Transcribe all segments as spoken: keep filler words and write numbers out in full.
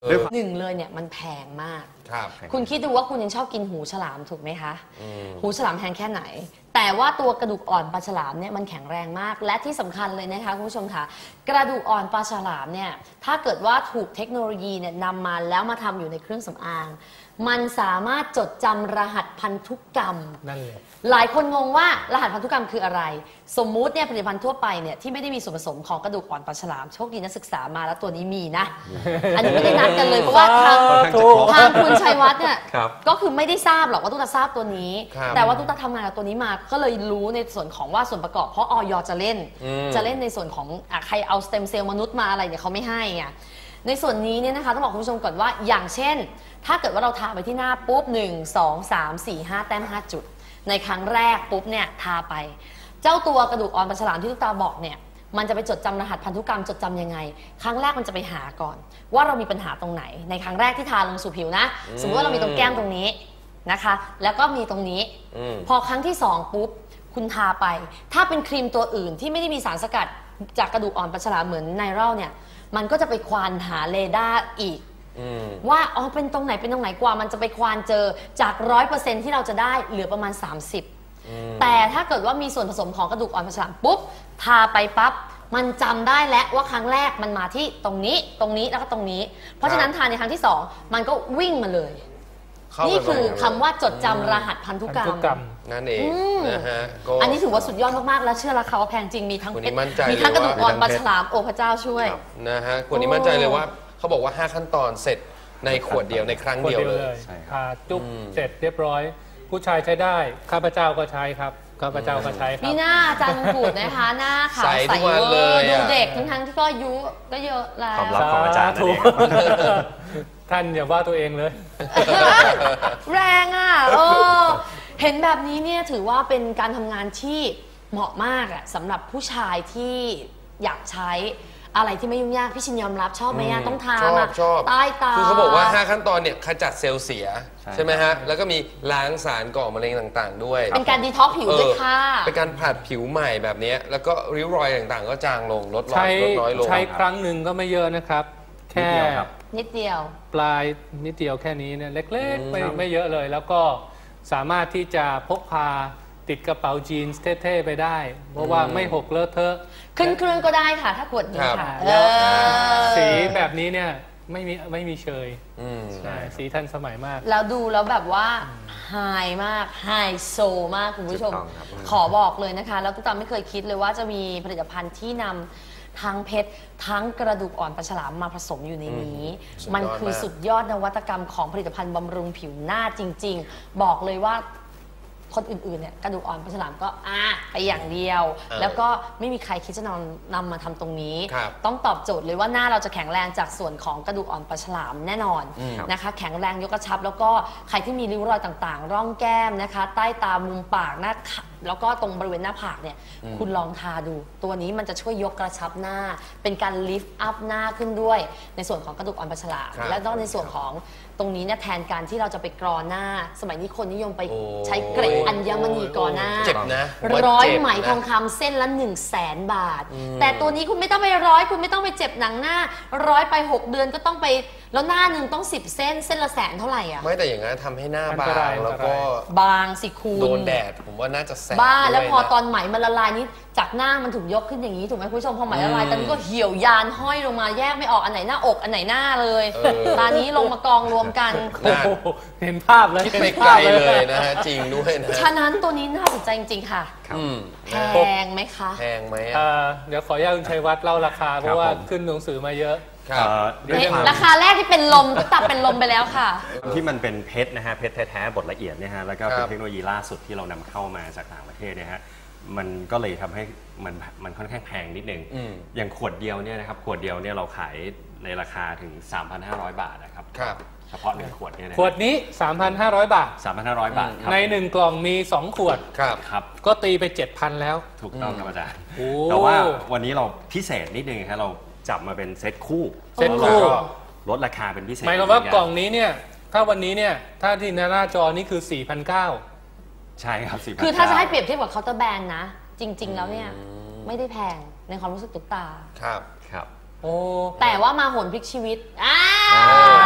หนึ่งเลยเนี่ยมันแพงมากครับคุณคิดดูว่าคุณยังชอบกินหูฉลามถูกไหมคะหูฉลามแพงแค่ไหนแต่ว่าตัวกระดูกอ่อนปลาฉลามเนี่ยมันแข็งแรงมากและที่สำคัญเลยนะคะคุณผู้ชมค่ะกระดูกอ่อนปลาฉลามเนี่ยถ้าเกิดว่าถูกเทคโนโลยีเนี่ยนำมาแล้วมาทำอยู่ในเครื่องสำอางมันสามารถจดจำรหัสพันธุกรรมนั่นเลยหลายคนงงว่ารหัสพันธุกรรมคืออะไรสมมุติเนี่ยผลิตภัณฑ์ทั่วไปเนี่ยที่ไม่ได้มีส่วนผสมของกระดูกอ่อนปลาฉลามโชคดีนักศึกษามาแล้วตัวนี้มีนะ อันนี้ไม่ได้นัดกันเลยเพราะว่าทางทางคุณชัยวัฒน์เนี่ยก็คือไม่ได้ทราบหรอกว่าตุ๊กตาทราบตัวนี้แต่ว่าตุ๊กตาทำงานกับตัวนี้มาก็เลยรู้ในส่วนของว่าส่วนประกอบเพราะอย.จะเล่นจะเล่นในส่วนของใครเอาสเต็มเซลล์มนุษย์มาอะไรเนี่ยเขาไม่ให้ไงในส่วนนี้เนี่ยนะคะต้องบอกคุณผู้ชมก่อนว่าอย่างเช่นถ้าเกิดว่าเราทาไปที่หน้าปุ๊บหนึ่ง สอง สาม สี่ ห้าแต้มห้าจุดในครั้งแรกปุ๊บเนี่ยทาไปเจ้าตัวกระดูกอ่อนปลาฉลามที่ตุ๊กตาบอกเนี่ยมันจะไปจดจำรหัสพันธุกรรมจดจำยังไงครั้งแรกมันจะไปหาก่อนว่าเรามีปัญหาตรงไหนในครั้งแรกที่ทาลงสู่ผิวนะสมมติว่าเรามีตรงแก้มตรงนี้นะคะแล้วก็มีตรงนี้พอครั้งที่สองปุ๊บคุณทาไปถ้าเป็นครีมตัวอื่นที่ไม่ได้มีสารสกัดจากกระดูกอ่อนปลาฉลามเหมือนไนรัลเนี่ยมันก็จะไปควานหาเรดาร์อีกว่าอ๋อเป็นตรงไหนเป็นตรงไหนกว่ามันจะไปควานเจอจากร้อยเปอร์เซ็นต์ที่เราจะได้เหลือประมาณสามสิบแต่ถ้าเกิดว่ามีส่วนผสมของกระดูกอ่อนปลาฉลามปุ๊บทาไปปั๊บมันจำได้แล้วว่าครั้งแรกมันมาที่ตรงนี้ตรงนี้แล้วก็ตรงนี้เพราะฉะนั้นทาในครั้งที่สองมันก็วิ่งมาเลยนี่คือคำว่าจดจำรหัสพันธุกรรมนั่นเองนะฮะอันนี้ถือว่าสุดยอดมากๆและเชื่อราคาว่าแพงจริงมีทั้งมีทั้งกระดูกอ่อนปลาฉลามโอ้พระเจ้าช่วยนะฮะคนนี้มั่นใจเลยว่าเขาบอกว่าห้าขั้นตอนเสร็จในขวดเดียวในครั้งเดียวเลยทาจุ๊บเสร็จเรียบร้อยผู้ชายใช้ได้ข้าพเจ้าก็ใช้ครับข้าพเจ้าก็ใช้ครับมีหน้าอาจารย์พูดนะคะหน้าขาวใสเลยดูเด็กทั้งๆที่ก็อายุก็เยอะแล้วความลับของอาจารย์นั่นเองท่านอย่าว่าตัวเองเลยแรงอ่ะเออเห็นแบบนี้เนี่ยถือว่าเป็นการทำงานที่เหมาะมากอ่ะสำหรับผู้ชายที่อยากใช้อะไรที่ไม่ยุ่งยากพี่ชินยอมรับชอบไหมอ่ะต้องทามาใต้ตาคือเขาบอกว่าห้าขั้นตอนเนี่ยขจัดเซลล์เสียใช่ไหมฮะแล้วก็มีล้างสารก่อมะเร็งต่างๆด้วยเป็นการดีท็อกผิวด้วยค่ะเป็นการผัดผิวใหม่แบบนี้แล้วก็ริ้วรอยต่างๆก็จางลงลดลดน้อยลงใช้ครั้งหนึ่งก็ไม่เยอะนะครับแค่นิดเดียวปลายนิดเดียวแค่นี้เนี่ยเล็กๆไม่ไม่เยอะเลยแล้วก็สามารถที่จะพกพาติดกระเป๋าจีนส์เท่ๆไปได้เพราะว่าไม่หกเลอะเทอะขึ้นเครื่องก็ได้ค่ะถ้าขวดนี้ค่ะสีแบบนี้เนี่ยไม่มีไม่มีเชยสีทันสมัยมากแล้วดูแล้วแบบว่าไฮมากไฮโซมากคุณผู้ชมขอบอกเลยนะคะแล้วตุ๊กตาไม่เคยคิดเลยว่าจะมีผลิตภัณฑ์ที่นำทั้งเพชรทั้งกระดูกอ่อนปลาฉลามมาผสมอยู่ในนี้มันคือสุดยอดนวัตกรรมของผลิตภัณฑ์บำรุงผิวหน้าจริงๆบอกเลยว่าคนอื่นๆเนี่ยกระดูกอ่อนปลาฉลามก็อ่ะไปอย่างเดียวแล้วก็ไม่มีใครคิดจะนำนำมาทำตรงนี้ต้องตอบโจทย์เลยว่าหน้าเราจะแข็งแรงจากส่วนของกระดูกอ่อนปลาฉลามแน่นอนนะคะแข็งแรงยกกระชับแล้วก็ใครที่มีริ้วรอยต่างๆร่องแก้มนะคะใต้ตามุมปากหน้าแล้วก็ตรงบริเวณหน้าผากเนี่ยคุณลองทาดูตัวนี้มันจะช่วยยกกระชับหน้าเป็นการลิฟต์อัพหน้าขึ้นด้วยในส่วนของกระดูกอ่อนปลาฉลามและก็ในส่วนของตรงนี้เนี่ยแทนการที่เราจะไปกรอหน้าสมัยนี้คนนิยมไปใช้เกล็ดอัญมณีกรอหน้าเจ็บนะร้อยไหมทองคำเส้นละหนึ่งแสนบาทแต่ตัวนี้คุณไม่ต้องไปร้อยคุณไม่ต้องไปเจ็บหนังหน้าร้อยไปหกเดือนก็ต้องไปแล้วหน้าหนึ่งต้องสิบเส้นเส้นละแสนเท่าไหร่อ่ะไม่แต่อย่างนั้นทำให้หน้าบางแล้วก็บางสิคุณโดนแดดผมว่าน่าจะแสบบ้าแล้วพอตอนไหมมันละลายนี้จากหน้ามันถูกยกขึ้นอย่างนี้ถูกไหมคุณผู้ชมพอไหมละลายตอนนี้ก็เหี่ยวยานห้อยลงมาแยกไม่ออกอันไหนหน้าอกอันไหนหน้าเลยตอนนี้ลงมากองรวมกันเห็นภาพเลยคิดไปไกลเลยนะฮะจริงด้วยนะฉะนั้นตัวนี้น่าสนใจจริงๆค่ะแพงไหมคะแพงไหมเดี๋ยวขออนุญาตคุณชัยวัฒน์เล่าราคาเพราะว่าขึ้นหนังสือมาเยอะราคาแรกที่เป็นลมตับเป็นลมไปแล้วค่ะที่มันเป็นเพชรนะฮะเพชรแท้ๆบดละเอียดเนี่ยฮะแล้วก็เป็นเทคโนโลยีล่าสุดที่เรานำเข้ามาจากต่างประเทศเนี่ยฮะมันก็เลยทำให้มันมันค่อนข้างแพงนิดนึงอย่างขวดเดียวเนี่ยนะครับขวดเดียวเนี่ยเราขายในราคาถึง สามพันห้าร้อย บาทนะครับเฉพาะหนึ่งขวดเนี่ยขวดนี้ สามพันห้าร้อย บาทสามพันห้าร้อย บาทในหนึ่งกล่องมีสองขวดครับครับก็ตีไป เจ็ดพัน แล้วถูกต้องครับอาจารย์แต่ว่าวันนี้เราพิเศษนิดนึงครับเราจับมาเป็นเซตคู่เซตคู่ลดราคาเป็นพิเศษหมายความว่ากล่องนี้เนี่ยถ้าวันนี้เนี่ยถ้าที่หน้าจอนี่คือ สี่พันเก้าร้อยใช่ครับสี่พันคือถ้าจะให้เปรียบเทียบกับเคาน์เตอร์แบรนด์นะจริงๆแล้วเนี่ยไม่ได้แพงในความรู้สึกตุ๊กตาครับครับโอ้แต่ว่ามาโหนพลิกชีวิตอ่า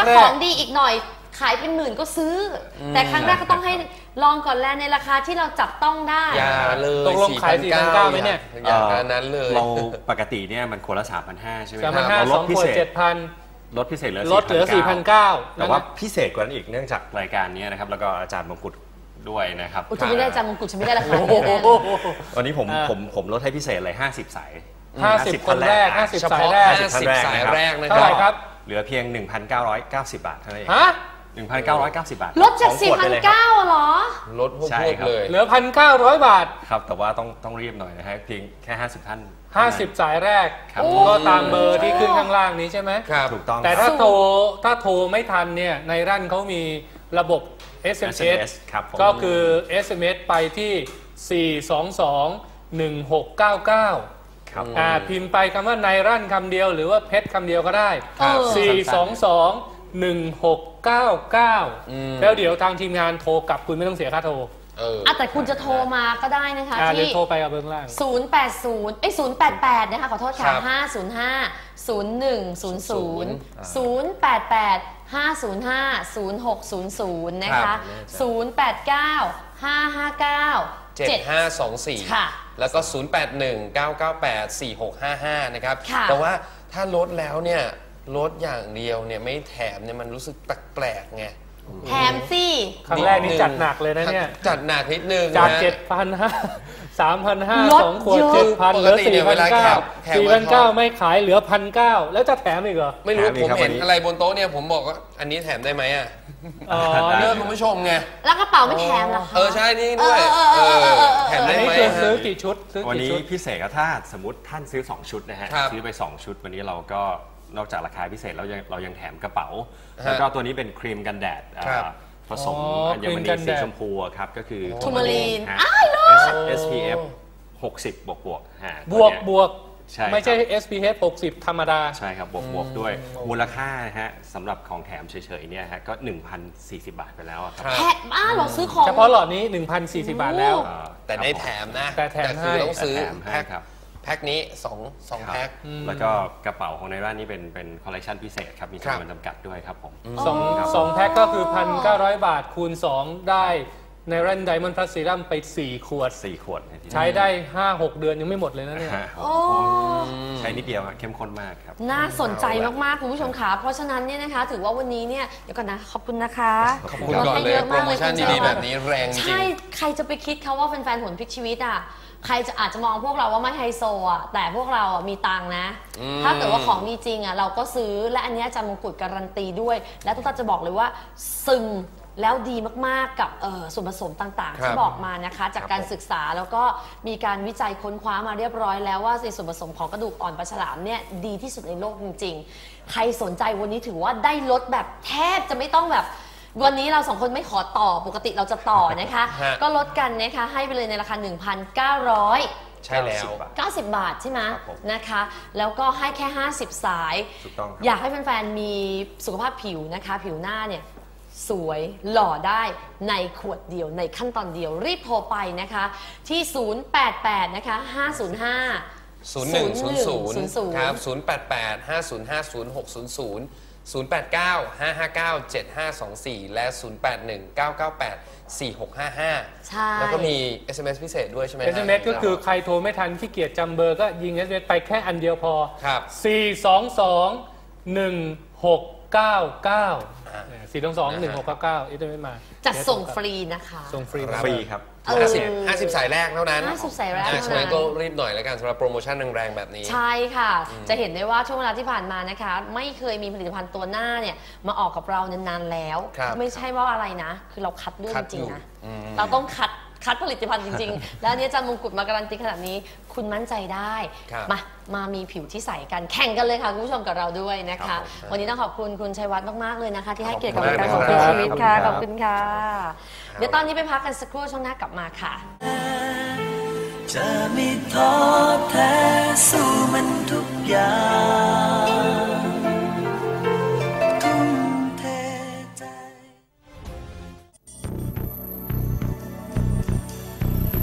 ถ้าแรขอก งดีอีกหน่อยขายเป็นหมื่นก็ซื้ออแต่ครั้งแรกก็ต้องให้ลองก่อนแล้วในราคาที่เราจับต้องได้อย่าเลยตกลงขาย สี่พันเก้าร้อย ไหมเนี่ยอย่างอย่างนั้นเลยเราปกติเนี่ยมันคนละ สามพันห้าร้อย ใช่ไหมคสารัมพันห้าเราลสดองพิขวดเศษเจ็ดพันลดพิเศษเหลือลดเหลือสี่พันเก้าแต่ว่าพิเศษกว่านั้นอีกเนื่องจากรายการนี้นะครับแล้วก็อาจารย์มงกุฎด้วยนะครับอุยจะไม่ได้จำมงกุฎฉันไม่ได้ราคาโอ้นี้โหแน่วันนี้ผมอ่าผมผมลดให้พิเศษเลยห้าสิบสายห้าสิบคนแรกห้าสิบเฉสายพาะแรกห้าสิบสายแรกนะเท่าไหร่ครับเหลือเพียง หนึ่งพันเก้าร้อยเก้าสิบ บาทเท่านั้นเองฮะหนึ่งพันเก้าร้อยเก้าสิบ บาทลดจากสองสี่ขวดพัไปนเลยครับเก้าเหรอลดพวใช่กครับเลยเหลือพันเก้าร้อยบาทครับแต่ว่าต้องต้องรีบหน่อยนะฮะเพียงแค่ห้าสิบท่านห้าสิบสายแรกครับก็ตามเบอร์ที่ขึ้นข้างล่างนี้ใช่ไหมครับถูกต้องแต่คถ้ารับโทรถ้าโทรไม่ทันเนี่ยในรั่นเขามีระบบ เอส เอ็ม เอสเอส เอ็ม เอส ครับผมก็คือ เอส เอ็ม เอส ไปที่ สี่ สอง สอง หนึ่ง หก เก้า เก้าครับอ่าพิมพ์ไปคำว่าในรั่นคำเดียวหรือว่าเพชรคำเดียวก็ได้ครับสี่ สอง สอง หนึ่ง หก เก้า เก้า แล้วเดี๋ยวทางทีมงานโทรกลับคุณไม่ต้องเสียค่าโทรเอออ่ะแต่คุณจะโทรมาก็ได้นะคะอ่าหรือที่โทรไปกับเบื้องล่างศูนย์ แปด ศูนย์ เอ้ย ศูนย์ แปด แปด นะคะ ขอโทษค่ะครับห้า ศูนย์ ห้า ศูนย์ หนึ่ง ศูนย์ ศูนย์ ศูนย์ แปด แปด ห้า ศูนย์ ห้า ศูนย์ หก ศูนย์ ศูนย์ นะครัคะบศูนย์ แปด เก้า ห้า ห้า เก้าเจ็ดห้าสองสี่ค่ะแล้วก็ ศูนย์ แปด หนึ่ง เก้า เก้า แปด สี่ หก ห้า ห้า นะครับค่ะแต่ว่าถ้าลดแล้วเนี่ยลดอย่างเดียวเนี่ยไม่แถมเนี่ยมันรู้สึกแปลกๆไงแถมสิครั้งแรกนี่จัดหนักเลยนะเนี่ยจัดหนักนิดนึงจากนะเจ็ดพันห้าสามพันห้าลดสองขวดเยอะเจ็ดพันเหลือปกติเนี่สี่ยพัเวน ลาเก้าแขกสี่แขพักนมาเก้าทอดไม่ขายเหลือพันเก้าแล้วจะแถมอีกเหรอไม่รู้แถมอีผกมครับเห็นวันนี้อะไรบนโต๊ะเนี่ยผมบอกว่าอันนี้แถมได้ไหมอ่ะอ๋อเลืนี่อกคุณผู้ชมไงแล้วกระเป๋าไม่แถมเหรอคะเออใช่นี่ด้วยเออเออเออเออเออแถมอัได้นนี้ไหมคือฮะซื้อกี่ชุดซื้อวันกี่นี้ชุดพิเศษก็ถ้าสมมติท่านซื้อสองชุดนะฮะครับซื้อไปสองชุดวันนี้เราก็นอกจากราคาพิเศษเรายังเรายังแถมกระเป๋าฮะแล้วก็ตัวนี้เป็นครีมกันแดดอ่าครับผสมอ๋ออัญมครีมกัณีนแดสีดชมพูอะครับก็คือทูมารีนฮะอ้ายเลิศเอส พี เอฟ หกสิบบวกบวกฮะบวกตัวเนี้ยบวกใช่ครับไม่ใช่ เอส พี เอฟ หกสิบ ธรรมดาใช่ครับบวกบวกด้วยมูลค่านะฮะสำหรับของแถมเฉยๆเนี่ยฮะก็ หนึ่งพันสี่สิบ บาทไปแล้วอะครับครับแถมอ้าเราซื้อของเฉพาะหลอดนี้ หนึ่งพันสี่สิบ บาทแล้วโอ้อ่าแต่ได้แถมนะแต่แถมคือให้ต้องซื้อแต่แถมให้แพ็คครับแพ็คนี้สองสองครับแพ็คแล้วก็กระเป๋าของในร้านนี้เป็นเป็นคอลเลคชันพิเศษครับมีครับจำนวนจำกัดด้วยครับผมสองครับสองแพ็คก็คือ หนึ่งพันเก้าร้อย บาทคูณ สอง ได้ในรันไดมอนด์พลัสซีรัมไป สี่ ขวดสี่ขวดในที่นี้ใช้ได้ ห้าหก เดือนยังไม่หมดเลยนะเนี่ยฮะโอ้ใช้นิดเดียวอะเข้มข้นมากครับน่าสนใจมากๆคุณผู้ชมค่ะเพราะฉะนั้นเนี่ยนะคะ ถือว่าวันนี้เนี่ยเดี๋ยวก่อนนะขอบคุณนะคะขอบคุณก่อนเลยโปรโมชั่นดีๆแบบนี้แรงจริงใช่ใครจะไปคิดเขาว่าแฟนๆผลพลิกชีวิตอ่ะใครจะอาจจะมองพวกเราว่าไม่ไฮโซอ่ะแต่พวกเราอ่ะมีตังค์นะ ถ้าเกิดว่าของดีจริงอ่ะเราก็ซื้อและอันเนี้ยอาจารย์มงกุฎการันตีด้วย และทุกท่านจะบอกเลยว่าซึมแล้วดีมากๆกับเอ่อส่วนผสมต่างๆครับที่บอกมานะคะ จากการศึกษาแล้วก็มีการวิจัยค้นคว้ามาเรียบร้อยแล้วว่าในส่วนผสมของกระดูกอ่อนปลาฉลามเนี่ยดีที่สุดในโลกจริงๆ ใครสนใจวันนี้ถือว่าได้ลดแบบแทบจะไม่ต้องแบบ วันนี้เราสองคนไม่ขอต่อปกติเราจะต่อนะคะฮะก็ลดกันนะคะให้ไปเลยในราคา หนึ่งพันเก้าร้อยใช่แล้วเก้าสิบบาทใช่ไหมครับผมนะคะ แล้วก็ให้แค่ ห้าสิบ สายถูกต้องครับอยากให้แฟนๆมีสุขภาพผิวนะคะ ผิวหน้าเนี่ยสวยหล่อได้ในขวดเดียวในขั้นตอนเดียวรีบโทรไปนะคะที่ ศูนย์ แปด แปด นะคะ ห้า ศูนย์ ห้าศูนย์หนึ่งศูนย์ศูนย์ศูนย์ศูนย์ครับศูนย์แปดแปดห้าศูนย์ห้าศูนย์หกศูนย์ศูนย์ ศูนย์แปดเก้าห้าห้าเก้าเจ็ดห้าสองสี่และศูนย์แปดหนึ่งเก้าเก้าแปดสี่หกห้าห้าใช่แล้วก็มี เอส เอ็ม เอส พิเศษด้วยใช่ไหมเอส เอ็ม เอส ก็คือใครโทรไม่ทันขี้เกียจจำเบอร์ก็ยิง เอส เอ็ม เอส ไปแค่อันเดียวพอครับสี่ สอง สอง หนึ่ง หก เก้า เก้า สี่ สอง สอง หนึ่ง หก เก้า เก้า เอส เอ็ม เอส มาจัดส่งฟรีนะคะส่งฟรีครับฟรีครับเออห้าสิบ ห้าสิบสายแรกเท่านั้นห้าสิบสายแรกอ่เท่านั้นฉะนั้นก็รีบหน่อยแล้วกันสำหรับโปรโมชั่นแรงๆแบบนี้ใช่ค่ะ จะเห็นได้ว่าช่วงเวลาที่ผ่านมานะคะ ไม่เคยมีผลิตภัณฑ์ตัวหน้าเนี่ยมาออกกับเรานานๆแล้วครับไม่ใช่ว่าอะไรนะ คือเราคัดเลือกคัจดริงอยู่ๆนะอืมเราต้องคัดคัดผลิตภัณฑ์จริง ๆ แล้วอันนี้อาจารย์มงกุฎมาการันตีขนาดนี้ คุณมั่นใจได้ครับมามามีผิวที่ใสกันแข่งกันเลยค่ะคุณผู้ชมกับเราด้วยนะครัคะบผมวันนี้ต้องขอบคุณคุณชัยวัฒน์มากๆเลยนะคะ ที่ให้เกียรติกับขอบรายคุณการมากของเลยชีวิตค่ะคขรัอบบคุณค่ะ เดี๋ยวตอนนี้ไปพักกันสักครู่ช่วงหน้ากลับมาค่ะจะไม่ท้อแท้สู้มันทุกอย่างทุ่มเทใจ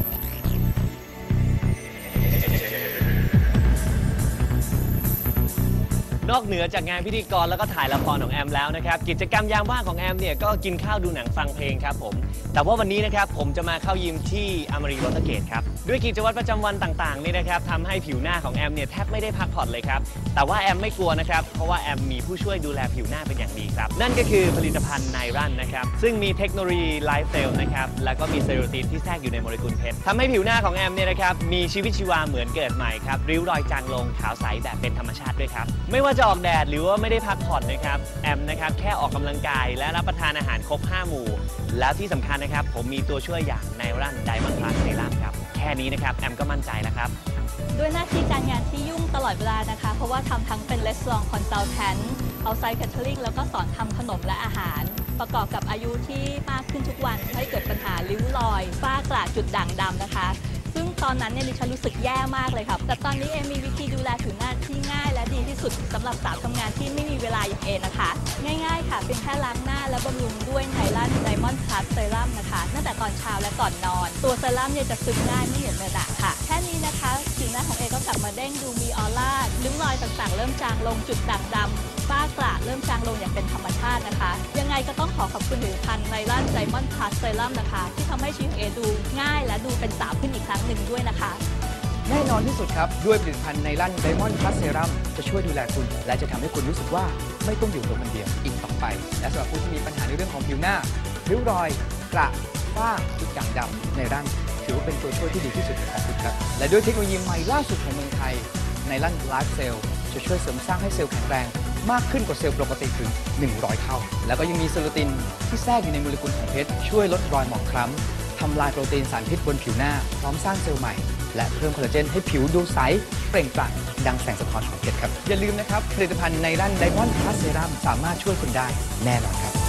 นนอกเหนือจากงานพิธีกรแล้วก็ถ่ายละครของแอมแล้วนะครับกิจกรรมยามว่างของแอมเนี่ยก็กินข้าวดูหนังฟังเพลงครับผมแต่ว่าวันนี้นะครับผมจะมาเข้ายิมที่อมรีวอเตอร์เกตครับด้วยกิจวัตรประจำวันต่างๆนี่นะครับทำให้ผิวหน้าของแอมเนี่ยแทบไม่ได้พักผ่อนเลยครับแต่ว่าแอมไม่กลัวนะครับเพราะว่าแอมมีผู้ช่วยดูแลผิวหน้าเป็นอย่างดีครับนั่นก็คือผลิตภัณฑ์ไนรันนะครับซึ่งมีเทคโนโลยีไลฟ์เซลล์นะครับแล้วก็มีเซโรทีนที่แทรกอยู่ในโมเลกุลเพชรทำให้ผิวหน้าของแอมเนี่ยนะครับมีชีวิตชีวาเหมือนเกิดใหม่ครับริ้วรอยจางลงขาวใสแบบเป็นธรรมชาติด้วยครับไม่ว่าจะออกแดดหรือว่าไม่ได้พักผ่อนนะครับแอมนะครับแค่ออกกำลังกายและรับประทานอาหารครบห้าหมู่แล้วที่สำคัญนะครับผมมีตัวช่วยอย่างไนรันไดมอนด์พลัสเซรั่มครับแค่นี้นะครับแอมก็มั่นใจแล้วครับด้วยหน้าที่การงานที่ยุ่งตลอดเวลานะคะเพราะว่าทำทั้งเป็นรีสอร์ทคอนซัลแทนท์เอาไซต์แคทเทอริงแล้วก็สอนทำขนมและอาหารประกอบกับอายุที่มากขึ้นทุกวันให้เกิดปัญหาริ้วรอยฝ้ากระจุดด่างดำนะคะซึ่งตอนนั้นเนี่ยดิฉันรู้สึกแย่มากเลยครับแต่ตอนนี้เอมีวิธีดูแลผิวหน้าที่ง่ายและดีที่สุดสำหรับสาวทำงานที่ไม่มีเวลาอย่างเอนะคะง่ายๆค่ะเพียงแค่ล้างหน้าและบำรุงด้วยไนรันไดมอนด์พลัสเซรั่มนะคะตั้งแต่ตอนเช้าและก่อนนอนตัวเซรั่มเนี่ยจะซึมง่ายไม่เหนียวเนอะหนะค่ะแค่นี้นะคะผิวหน้าของเอก็กลับมาเด้งดูมีออร่าริ้วรอยต่างๆเริ่มจางลงจุดด่างดำฝ้ากระเริ่มจางลงอย่างเป็นธรรมชาตินะคะยังไงก็ต้องขอขอบคุณผลิตภัณฑ์ไนรันไดมอนด์พลัสเซรั่มนะคะที่ทำให้ชีวิตเอดูง่ายและดูเป็นสาวขึ้นอีกครั้งหนึ่งด้วยนะคะแน่นอนที่สุดครับด้วยผลิตภัณฑ์ไนรันไดมอนด์พลัสเซรั่มจะช่วยดูแลคุณและจะทำให้คุณรู้สึกว่าไม่ต้องอยู่ตัวคนเดียวอีกต่อไปและสำหรับผู้ที่มีปัญหาในเรื่องของผิวหน้าริ้วรอยกระฝ้าจุดด่างดำไนรันถือว่าเป็นตัวช่วยที่ดีที่สุดของคุณครับและด้วยเทคโนโลยีใหม่ล่าสุดของเมืองไทยไนรันไลฟ์เซลล์จะช่วยเสริมสร้างให้เซลล์แข็งแรงมากขึ้นกว่าเซลล์ปกติถึงหนึ่งร้อยเท่าแล้วก็ยังมีเซโรตินที่แทรกอยู่ในโมเลกุลของเพชรช่วยลดรอยหมองคล้ำทำลายโปรตีนสารพิษบนผิวหน้าพร้อมสร้างเซลล์ใหม่และเพิ่มคอลลาเจนให้ผิวดูใสเปล่งปลั่งดังแสงสะท้อนของเพชรครับอย่าลืมนะครับผลิตภัณฑ์ไนรันไดมอนด์พลัสเซรั่มสามารถช่วยคุณได้แน่นอนครับ